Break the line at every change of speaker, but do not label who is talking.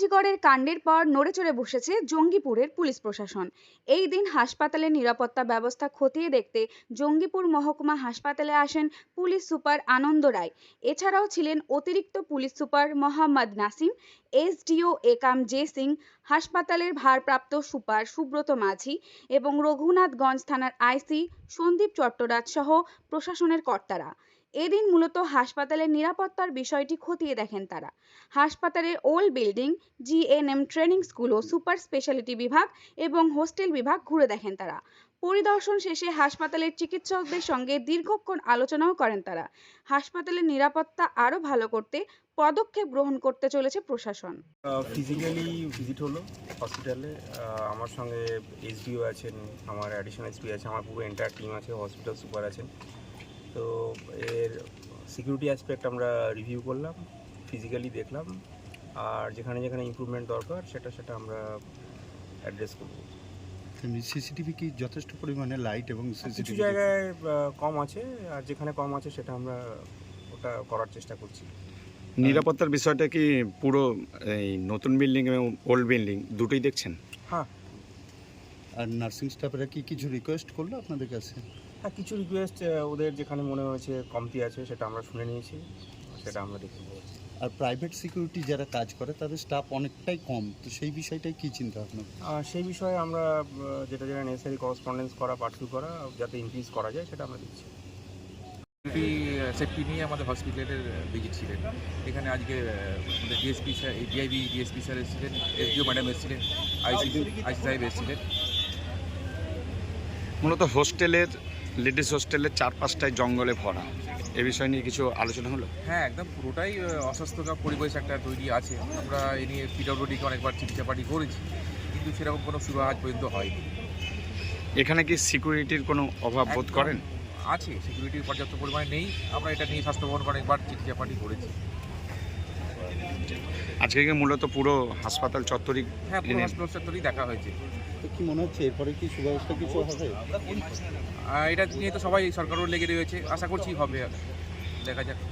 আরজিকরের কাণ্ডের পর নড়েচড়ে বসেছে জঙ্গিপুরের পুলিশ প্রশাসন। এই দিন হাসপাতালের নিরাপত্তা ব্যবস্থা খতিয়ে দেখতে জঙ্গিপুর মহকুমা হাসপাতালে আসেন পুলিশ সুপার আনন্দ রায়। এছাড়াও ছিলেন অতিরিক্ত police super Mohammad Nasim, SDO Ekam J Singh, হাসপাতালের ভারপ্রাপ্ত সুপার সুব্রত মাঝি এবং রঘুনাথগঞ্জ থানার আইসি সন্দীপ চট্টরাজ সহ প্রশাসনের কর্তারা। এদিন মূলত হাসপাতালের নিরাপত্তার বিষয়টি খতিয়ে দেখেন তারা। হাসপাতালের old building, GNM training school ও সুপার স্পেশালিটি বিভাগ এবং হোস্টেল বিভাগ ঘুরে দেখেন তারা। পরিদর্শন শেষে হাসপাতালের চিকিৎসকদের সঙ্গে দীর্ঘক্ষণ আলোচনাও করেন তারা। হাসপাতালের নিরাপত্তা আরো ভালো করতে পদক্ষেপ গ্রহণ করতে চলেছে প্রশাসন।
ফিজিক্যালি ভিজিট হলো হসপিটালে। আমার সঙ্গে এসডিও আছেন, আমার অ্যাডিশনাল এসপি আছে, আমার পুরো এন্টায়ার টিম আছে, হসপিটাল সুপার আছেন। তো এর সিকিউরিটি অ্যাসপেক্ট আমরা রিভিউ করলাম, ফিজিক্যালি দেখলাম, আর যেখানে যেখানে ইমপ্রুভমেন্ট দরকার সেটা আমরা অ্যাড্রেস করব।
সিসিটিভি কি যথেষ্ট পরিমাণে লাইট এবং
কিছু
সিসিটিভি
জায়গায় কম আছে, আর যেখানে কম আছে সেটা আমরা ওটা করার চেষ্টা করছি।
নিরাপত্তার বিষয়টা কি পুরো এই নতুন বিল্ডিং এবং ওল্ড বিল্ডিং দুটোই দেখছেন?
হ্যাঁ
আর নার্সিং স্টাফেরা কি কিছু রিকোয়েস্ট করলো আপনাদের কাছে?
হ্যাঁ, কিছু রিকোয়েস্ট ওদের যেখানে মনে হয়েছে কমতি আছে সেটা আমরা শুনে নিয়েছি, সেটা আমরা দেখে নেব।
আর প্রাইভেট সিকিউরিটি যারা কাজ করে তাদের স্টাফ অনেকটাই কম, তো সেই বিষয়টাই কি চিন্তা ভাবনা?
সেই বিষয়ে আমরা যেটা নেসেসারি করসপন্ডেন্স করা, পার্সু করা, যাতে ইনক্রিজ করা যায় সেটা আমরা দিচ্ছি।
সেফটি নিয়ে আমাদের হসপিটালের ভিজিট ছিলেন। এখানে আজকে আমাদের DSP sir, DIB DSP sir এসেছিলেন, এসডিও ম্যাডাম এসেছিলেন, আইসি সাহেব এসেছিলেন।
মূলত লেডিস হোস্টেলের 4-5টায় জঙ্গলে ভরা, এ বিষয় নিয়ে কিছু আলোচনা হলো?
হ্যাঁ, একদম পুরোটাই অস্বাস্থ্যকর পরিবেশ একটা তৈরি আছে। আমরা এ নিয়ে পিডব্লিউডিকে অনেকবার চিঠিচাপাটি করেছি, কিন্তু সেরকম কোনো সুরাহা আজ পর্যন্ত হয়নি।
এখানে কি সিকিউরিটির কোনো অভাব বোধ করেন?
আছে, সিকিউরিটির পর্যাপ্ত পরিমাণে নেই। আমরা এটা নিয়ে স্বাস্থ্য ভবনকে অনেকবার চিঠিচাপাটি করেছি।
আজকে কি মূলত পুরো হাসপাতাল চত্বরই?
হ্যাঁ, পুরো হসপিটাল সেক্টরেই দেখা হয়েছে।
তো কি মনে হচ্ছে এরপরে কি সুব্যবস্থা কিছু হবে?
এটা নিয়ে তো সবাই সরকারও লেগে রয়েছে, আশা করছি হবে, দেখা যাক।